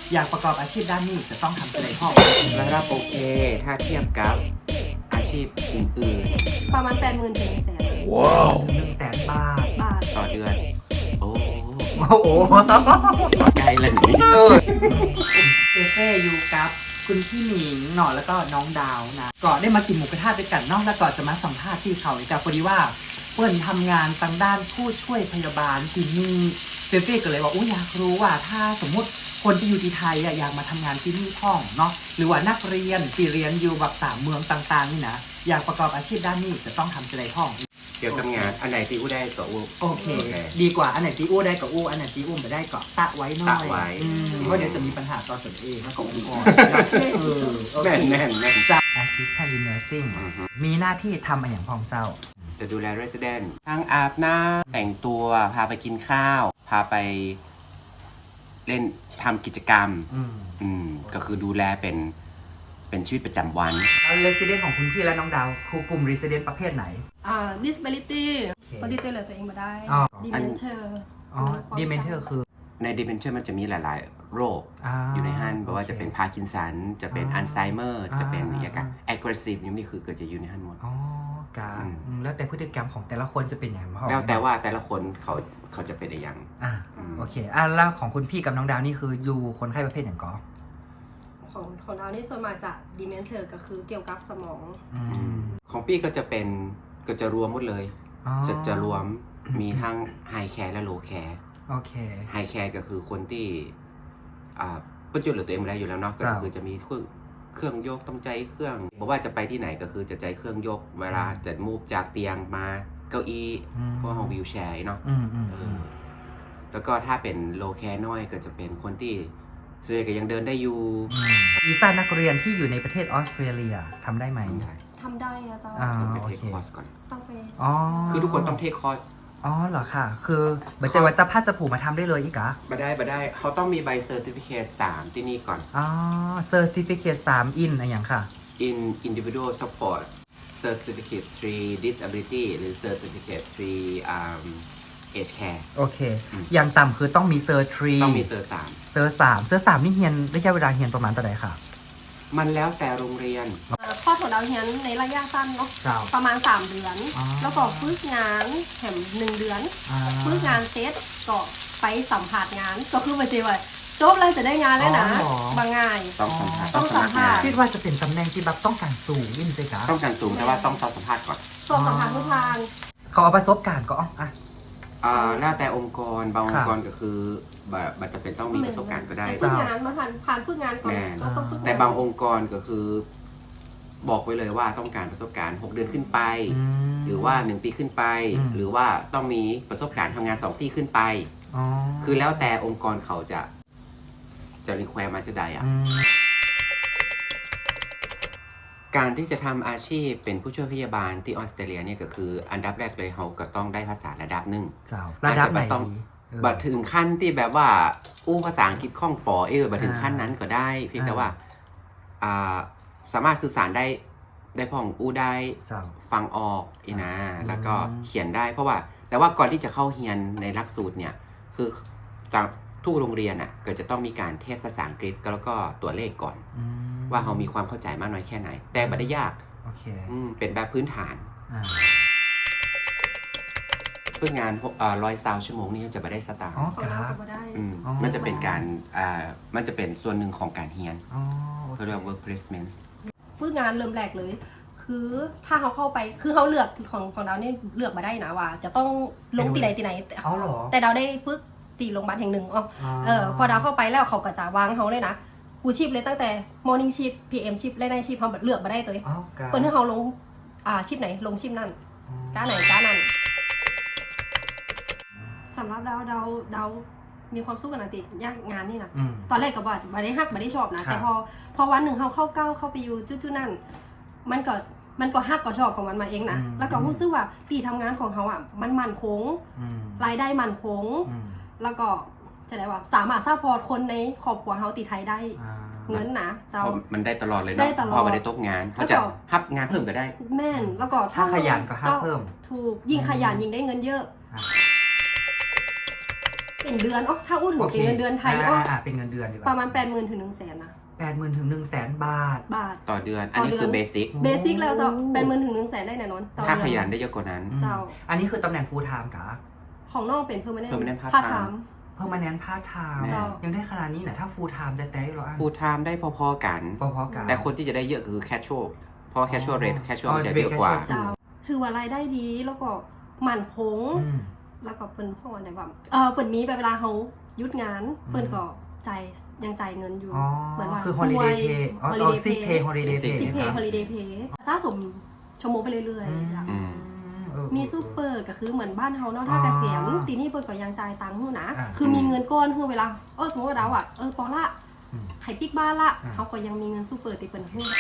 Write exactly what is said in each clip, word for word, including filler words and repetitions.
อยากประกอบอาชีพด้านนี้จะต้องทำอะไรพ่อระดับโอเคถ้าเทียบกับอาชีพอื่นประมาณแปดหมื่นถึงแสนๆว้าวหนึ่งแสนบาทบาทต่อเดือน โอ้โอ้โหไกลเลยนี่เออเอเฟ่อยู่กับคุณพี่หมิงหน่อแล้วก็น้องดาวนะก็ได้มากินหมูกระทะด้วยกันเนอกแล้วก็จะมาสัมภาษณ์ที่เขาอีกแต่พอดีว่าเปิ้ลทำงานทางด้านผู้ช่วยพยาบาลที่นี่เฟเฟ่ก็เลยว่าอุ้ยอยากรู้ว่าถ้าสมมุติคนที่อยู่ที่ไทยอะอยากมาทำงานที่นี่พ่องเนาะหรือว่านักเรียนที่เรียนอยู่แบบสามเมืองต่างๆนี่นะอยากประกอบอาชีพด้านนี้จะต้องทำอะไรพ่องเกี่ยวกับงานอันไหนที่อู้ได้ก็อู้โอเค ดีกว่าอันไหนที่อู้ได้ก็อู้อันไหนที่อู้ไม่ได้ก็ตะไว้หน่อยตะไว้อืมเพราะเดี๋ยวจะมีปัญหาตอนสนเองแล้วก็องค์กรเออโอเคแน่นแน่นแน่นจะ assistant in nursing อือฮึมีหน้าที่ทำอะไรอย่างพองเจ้าจะดูแล resident ทั้งอาบน้ำแต่งตัวพาไปกินข้าว พาไปเล่นทำกิจกรรมอืมอืมก็คือดูแลเป็นเป็นชีวิตประจำวันแล้ว resident ของคุณพี่และน้องดาวคือกลุ่ม resident ประเภทไหนอ่า disability โอเคคนที่ช่วยเหลือตัวเองมาได้อ๋อ dementia อ๋อ dementia คือใน dementia มันจะมีหลาย ๆ โรคอ่าอยู่ในฮันบอกว่าโอเคจะเป็นพาร์กินสัน จะเป็นอ่าอัลไซเมอร์ จะเป็นอ่าอย่างกัน aggressive นี่คือเกิดจะอยู่ในฮันหมดอ๋อกาอืมอืมแล้วแต่พฤติกรรมของแต่ละคนจะเป็นอย่างไรพ่อแล้วแต่ว่าแต่ละคนเขาเขาจะเป็นอะไรอย่างอ่าอืมโอเคอ่ะแล้วของคุณพี่กับน้องดาวนี่คืออยู่คนไข้ประเภทอย่างก่อของของเรานี่ส่วนมากจะ dementia ก็คือเกี่ยวกับสมองอืมของพี่ก็จะเป็นก็จะรวมหมดเลยอ๋อจะจะรวมมีทั้งไฮแคร์และโลแคร์โอเคไฮแคร์ก็คือคนที่อ่าเพื่อช่วยเหลือตัวเองไม่ได้อยู่แล้วเนาะก็จ้ะคือจะมีเครื่องเครื่องยกต้องใจเครื่องบอกว่าจะไปที่ไหนก็คือจะใจเครื่องยกเวลาจะมูฟจากเตียงมาเก้าอี้อืมพวกห้องวิวแชร์เนาะอืมอืมเออืมอแล้วก็ถ้าเป็นโลแคร์น้อยก็จะเป็นคนที่ส่วนใหญ่ก็ยังเดินได้อยู่วีซ่านักเรียนที่อยู่ในประเทศออสเตรเลียทำได้ไหมทำได้ทำได้นะเจ้าอ่าจะโอเทคเคคอร์สก่อนต้องไปอ๋อคือทุกคนต้องเทคคอร์สอ๋อเหรอค่ะ คือเหมือนจะว่าจะพัดจะผูกมาทำได้เลยอีกเหรอมาได้มาได้เขาต้องมีใบเซอร์ติฟิเคตสามที่นี่ก่อนอ๋อ certificate สาม in อะไรอย่างค่ะ in individual support certificate three disability หรือ certificate three um age care โอเคอืมอย่างต่ำคือต้องมีเซอร์ทรีต้องมีเซอร์สามเซอร์สามเซอร์สามนี่เฮียนระยะเวลาเฮียนประมาณเท่าไหร่ค่ะมันแล้วแต่โรงเรียนอ่าข้อของเราเฮียนในระยะสั้นเนาะเจ้าประมาณ สาม เดือนอ๋อแล้วก็ฝึกงานแถมหนึ่งเดือนอ่าฝึกงานเซตก็ไปสัมผัสงาน ก็คือมาเจอว่าจบเลยจะได้งานแล้วนะอ๋อเหรอบางง่ายต้องสัมภาษณ์ต้องสัมภาษณ์คิดว่าจะเป็นตำแหน่งที่แบบต้องการสูงยิ่งสิคะต้องการสูงแต่ว่าต้องสอบสัมภาษณ์ก่อนสอบสัมผัสทุกทางเขาเอาประสบการณ์ก็อ๋ออ่ะอ่าแล้วแต่องค์กรบางองค่ะค์กรก็คือแบบมันจะเป็นต้องมีประสบการณ์ก็ได้แต่ฝึกงานมาผ่านผ่านฝึกงานก่อนแม่ก็ต้องฝึกงนแต่บางองค์กรก็คือ บอกไว้เลยว่าต้องการประสบการณ์หกเดือนขึ้นไปอืมหรือว่าหนึ่งปีขึ้นไปอืมหรือว่าต้องมีประสบการณ์ทำงานสองที่ขึ้นไปอ๋อคือแล้วแต่องค์กรเขาจะจะรีแควร์มาจะใดอ่ะอืมการที่จะทำอาชีพเป็นผู้ช่วยพยาบาลที่ออสเตรเลียเนี่ยก็คืออันดับแรกเลยเขาก็ต้องได้ภาษาระดับหนึ่งเจ้าระดับไหนอาจจะต้องดีเออบัดถึงขั้นที่แบบว่าอู้ภาษาอังกฤษคล่องปอเออบัดถึงขั้นนั้นก็ได้ เพียงแต่อ่าว่าอ่าสามารถสื่อสารได้ได้พ่องอู้ได้เจ้าฟังออกอีนะอืมแล้วก็เขียนได้ เพราะว่า แต่ว่าก่อนที่จะเข้าเรียนในหลักสูตรเนี่ย คือจากทุกโรงเรียนอ่ะก็จะต้องมีการเทสภาษาอังกฤษแล้วก็ตัวเลขก่อนอืมว่าเขามีความเข้าใจมากน้อยแค่ไหน แต่ไม่ได้ยากโอเคอืมเป็นแบบพื้นฐานอ่าฝึกงานร้อยซาวชั่วโมงนี่จะไม่ได้สตางค์อ๋อของเราก็บ่ได้อืมอ๋อมันจะเป็นการอ่ามันจะเป็นส่วนหนึ่งของการเรียนอ๋อโอเค Ờ, เขาเรียกว่า work placement ฝึกงานเริ่มแรกเลย คือถ้าเขาเข้าไปคือเขาเลือกของของเราเนี่ยเลือกมาได้นะว่า จะต้องลงตีไหนตีไหนเอาเหรอแต่เราได้ฝึกตีโรงพยาบาลแห่งหนึ่งอ๋อเออพอเราเข้าไปแล้วเขาก็จะวางเขาเลยนะกูชีพเลยตั้งแต่ morning shift พี เอ็ม shift และ night shift เขาเลือกมาได้เลยอ๋อการเปิดให้เขาลงอ่าชิปไหนลงชิปนั่นก้าไหนก้านั่นสำหรับเราเราเรามีความสู้กันนะติยากงานนี่นะอืมตอนแรกก็บอกไม่ได้ฮักไม่ได้ชอบนะครับแต่พอพอวันหนึ่งเขาเข้าเก้าเข้าไปอยู่จุดๆนั่นมันก็มันก็ฮักก็ชอบของมันมาเองนะอืมแล้วก็รู้สึกว่าตีทำงานของเขาอ่ะมันมั่นคงอืมรายได้มั่นคงอืมแล้วก็จะได้ว่าสามารถซัพพอร์ตคนในครอบครัวเขาตีไทยได้อ่าเงินนะเจ้าเพราะมันได้ตลอดเลยได้เนาะตลอดพอมาได้ตกงานเขาจะแล้วก็ฮับงานเพิ่มก็ได้แม่นแล้วก็ถ้าขยันก็ฮักเพิ่มถูกยิ่งขยันยิ่งได้เงินเยอะเป็นเดือนอ๋อถ้าอู้ถึงโอเคเป็นเงินเดือนไทยอ๋ออ่าๆเป็นเงินเดือนดีกว่าประมาณแปดหมื่นถึงหนึ่งแสนนะแปดหมื่นถึงหนึ่งแสนบาทบาทต่อเดือน อันนี้ต่อเดือนคือเบสิกเบสิกแล้วเจ้าแปดหมื่นถึงหนึ่งแสนได้แน่นอนต่อถ้าเดืขอนยันได้เยอะกว่านั้นเจ้าอันนี้คือตำแหน่ง full time กะของน้องเป็น permanent permanent part พาร์ท time ไทม์ permanent part time เจ้ายังได้ขนาดนี้นะถ้า full time แต่แต่เราอ่านฟูลไทม์ได้พอๆกันพอๆกันแต่คนที่จะได้เยอะก็คือแคชช a l เพราะแคชช a l เรทแคชช a l อ๋อมันจะ rate เยอะกว่า casual เจ้าถือว่ารายได้ดีแล้วก็มั่นคงอืมแล้วก็เปิ้นพ่อไหนว่าเออเปิ้นมีไปเวลาเขาหยุดงาน เปิ้นก็จ่ายยังจ่ายเงินอยู่อ๋อเหมือนว่าคือ holiday pay อ๋อ holiday sick pay pay holiday pay ซิกเพย์นะฮอลิเดย์เพย์สะสมชั่วโมงไปเรื่อยอืมๆจ้ะอืมเออมีซูเปอร์ก็คือเหมือนบ้านเฮาเนาะถ้าเกษียณอ๋อตีนี่เปิ้นก็ยังจ่ายตังค์อยู่นะอ่าคือมีเงินก้อนคือเวลาเออสมมติว่าเราอ่ะเออปอละอืมไข่ปิ๊กบ้านละอ่าเฮาก็ยังมีเงินซูเปอร์ติเปิ้นให้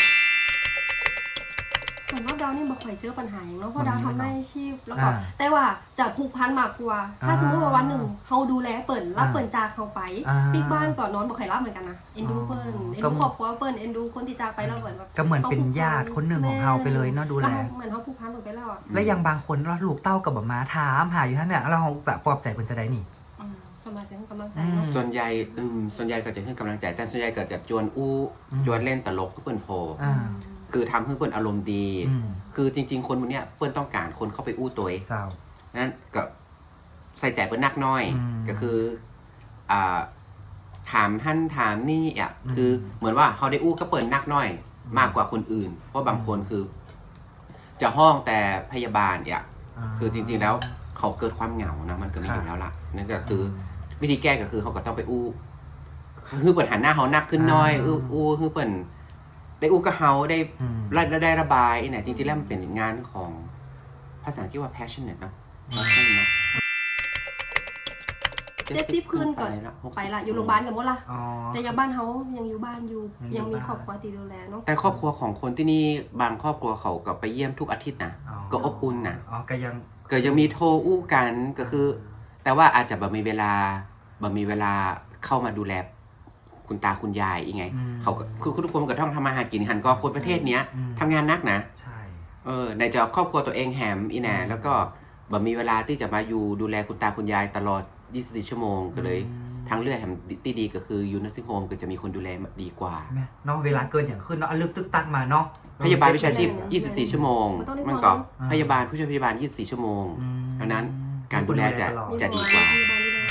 ส่วนรอบดาวนี่บ่ค่อยเจอปัญหาอย่างเนาะเพราะดาวทำได้อาชีพแล้วก็อ่าแต่ว่าจะผูกพันมากกว่า ถ้าอ่าสมมติว่าวันหนึ่งเฮาดูแลเปิ้นรับอ่าเปิ้นจากเฮาไปอ่าปิ๊กบ้านก่อนนอนบ่ค่อยรับเหมือนกันนะเอ็นดูเปิ้นเอ็นก็ดูครอบครัวเปิ้นเอ็นดูคนที่จากไปแล้วเปิ้นแบบก็เหมือนเป็นญาติคนหนึ่งของเราไปเลยเนาะดูแลวเหมือนเฮาผูกพันเปิ้นไปแล้วอ่ะและยังบางคนเราลูกเต้ากับแบบมาถามหาอยู่ท่านเนี่ยเราจะปลอบใจคนจะได้นี่อืมสมาธิกำลังใจอืมเนาะส่วนใหญ่อืมส่วนใหญ่ก็จะให้กำลังใจ แต่ส่วนใหญ่ก็จะจวนอู้อืมจวนเล่นตลกเพื่อนโพอ่าคือทำให้เพื่อนอารมณ์ดีอืมคือจริง ๆ คนพวกเนี้ยเพื่อนต้องการคนเข้าไปอู้ตัวเองเจ้านั้นก็ใส่ใจเพื่อนนักน้อยอืมก็คืออ่าถามท่านถามนี่อ่ะอืมคือเหมือนว่าเขาได้อู้ก็เปิดนักน้อย มากกว่าคนอื่น เพราะบางคนคือ จะห้องแต่พยาบาลอ่ะ คือจริงๆแล้วเขาเกิดความเหงานะมันก็มีอยู่แล้วล่ะนั่นก็คือ วิธีแก้ก็คือเขาก็ต้องไปอู้คือเปิดหันหน้าเขานักขึ้นหน้อยอ่าอู้อู้คือเปิดได้อู้กับเขาได้อืมได้ได้ระบายเนี่ยจริงๆแล้วมันเป็นงานของภาษาอังกฤษว่า passionate เนอะ passion เนอะเจ็ดสิบคืนก่อนแล้วหกสิบไปละอยู่โรงพยาบาลกันหมดละอ๋อแต่ยังบ้านเขายังอยู่บ้านอยู่ยังอยู่ยังมีบ้านครอบครัวที่ดูแลเนาะแต่ครอบครัวของคนที่นี่บางครอบครัวเขาก็ไปเยี่ยมทุกอาทิตย์นะอ๋อก็อบอุ่นนะอ๋อก็ยังก็ยังมีโทรอู้กันก็คือ แต่ว่าอาจจะแบบมีเวลาแบบมีเวลาเข้ามาดูแลคุณตาคุณยายอีกไงอืมเขาก็คือทุกคนก็ต้องทำมาหากินหันก็คนประเทศเนี้ยอืมทำงานนักนะใช่เออในจะครอบครัวตัวเองแหมอีแหน่แล้วก็แบบมีเวลาที่จะมาอยู่ดูแลคุณตาคุณยายตลอดยี่สิบสี่ชั่วโมงก็เลยอืมทางเลือกแหมที่ดีก็คือยูนัสซิงโฮมก็จะมีคนดูแลดีกว่าแม่เนาะเวลาเกินอย่างขึ้นเนาะอ่ะลึกตึกตักมาเนาะพยาบาลวิชาชีพ ยี่สิบสี่ ชั่วโมง มันก็อ่าพยาบาลผู้ช่วยพยาบาล ยี่สิบสี่ ชั่วโมงอืมดังนั้นการดูแลจะตลอดมีจะดีกว่ามีบ้านดูแล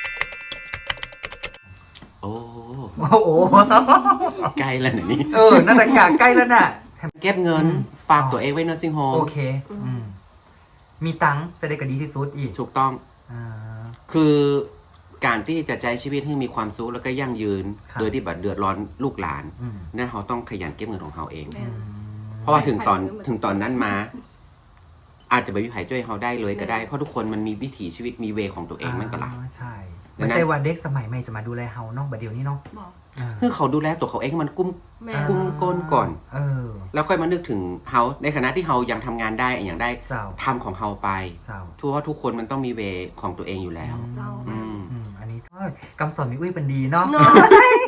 โอ้โอ้โหใกล้แล้วนะนี่เออนั่นแหละกะใกล้แล้วน่ะเก็บเงินอืมฝากตัวเองไว้ nursing home โอเคอืมมีตังค์จะได้กระดีที่สุดอีกถูกต้องอ่าคือการที่จะใช้ชีวิตให้มีความสุขแล้วก็ยั่งยืนครับโดยที่แบบเดือดร้อนลูกหลานอืมนั่นเขาต้องขยันเก็บเงินของเขาเองแม่เพราะว่าถึงตอนไปไปถึงตอนนั้นมา อาจจะไปวิภัยช่วยเขาได้เลยก็ได้ เพราะทุกคนมันมีวิถีชีวิตมีเวของตัวเองมันก็หลายอ่าใช่ดัมันงนั้นใจว่าเด็กสมัยใหม่จะมาดูแลเฮาเนาะบัดเดี๋ยวนี้เนาะบอกอ่าคือเขาดูแลตัวเขาเองให้มันกุ้มแม่กุ้งก้นก่อนเออแล้วค่อยมานึกถึงเขาในขณะที่เขายังทำงานได้อย่างได้เจ้าทำของเขาไปเจ้าทุกว่าทุกคนมันต้องมีเวของตัวเองอยู่แล้วเจ้าอืมอืมอันนี้ก็คำสอนมิอุ้ยเป็นดีเนาะเนาะ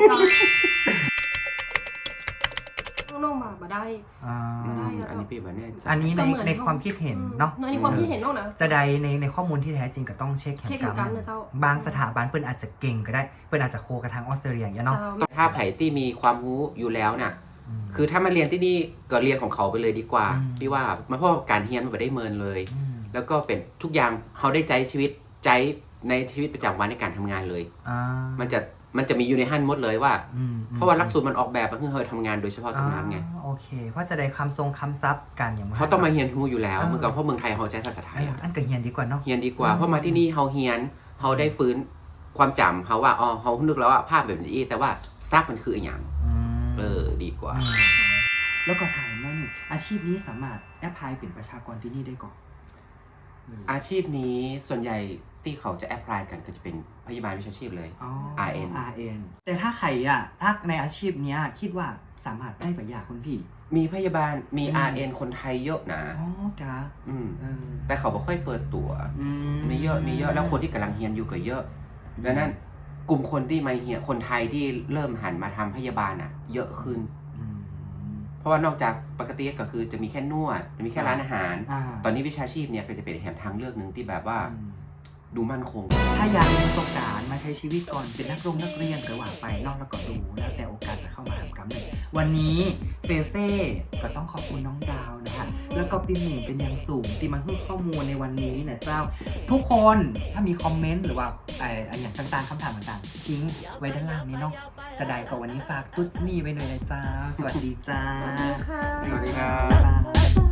น้องๆมาบ่ได้อ่าอืมได้แล้วอันนี้พี่แบบแน่ใจอันนี้ในก็เหมือนในความคิดเห็นเนาะในความคิดเห็นน้องนะจะใดในในข้อมูลที่แท้จริงก็ต้องเช็คแข่เช็คงเหมืกัอนกันนะเจ้าบางสถาบันเปิ้นอาจจะเก่งก็ได้เปิ้นอาจจะโคกับทางออสเตรเลียอย่างเงี้ยเนาะเจ้าถ้าไผ่ที่มีความรู้อยู่แล้วน่ะมคือถ้ามาเรียนที่นี่ก็เรียนของเขาไปเลยดีกว่าอืมพี่ว่ามันเพราะว่าการเรียนมันไม่ได้เมินเลยมแล้วก็เป็นทุกอย่างเขาได้ใจชีวิตใจในชีวิตประจำวันในการทำงานเลยอ่ามันจะมันจะมีอยู่ในหั่นหมดเลยว่าอืมเพราะว่าหลักสูตรมันออกแบบมาเพื่อให้ทำงานโดยเฉพาะตรงนั้นไงอ่าโอเค เพราะจะได้คำทรงคำซับกันอย่างเขาต้องมาเรียนรู้อยู่แล้วเออเมื่อก่อนเพราะเมืองไทยเขาใช้ภาษาไทเอย ออะอันก็เฮียนดีกว่าเนาะเรียนดีกว่าอืมเพราะมาที่นี่เขาเรียนเขาได้ฟื้นความจำเขาว่าอ๋อเขานึกแล้วว่าภาพแบบนี้แต่ว่าซักมันคืออย่างอืมเออดีกว่าอืมแล้วก็ถามว่านี่อาชีพนี้สามารถแอพพลายเป็นประชากรที่นี่ได้ก่อนอาชีพนี้ส่วนใหญ่ที่เขาจะแอพพลายกันก็จะเป็นพยาบาลวิชาชีพเลยอ๋ออาร์ เอ็นอาร์ เอ็น แต่ถ้าใครอ่ะถ้าในอาชีพเนี้ยคิดว่าสามารถได้ปะยาคุณพี่มีพยาบาลมีอืมอาร์ เอ็น คนไทยเยอะนะอ๋อกะอืมเออแต่เขาไม่ค่อยเปิดตัวอืมีเยอะมีเยอะแล้วคนที่กำลังเรียนอยู่ก็เยอะดังนั้นกลุ่มคนที่มาเรียนคนไทยที่เริ่มหันมาทำพยาบาลอ่ะ เยอะขึ้นอืมเพราะว่านอกจากปกติก็คือจะมีแค่นวดจะมีแค่ร้านอาหารอ่าตอนนี้วิชาชีพเนี่ยก็จะเป็นแหมทางเลือกหนึ่งที่แบบว่าอืมดูมั่นคงถ้าอยากมีประสบการณ์มาใช้ชีวิตก่อนเป็นนักลงนักเรียนหรือว่าไปนอกแล้วก็ดูแล้วแต่โอกาสจะเข้ามาทำกรรมเลยวันนี้เฟเฟ่ก็ต้องขอบคุณน้องดาวนะคะแล้วก็พี่หมิงเป็นอย่างสูงที่มาให้ข้อมูลในวันนี้นะเจ้าทุกคนถ้ามีคอมเมนต์หรือว่าไอ้อันอย่างต่างๆคำถามต่างๆทิ้งไว้ด้านล่างนี้เนาะจะได้ก็วันนี้ฝากตุ๊ดมี่ไว้หน่อยนะเจ้าสวัสดีจ้าสวัสดีค่ะสวัสดีครับบ๊ายบาย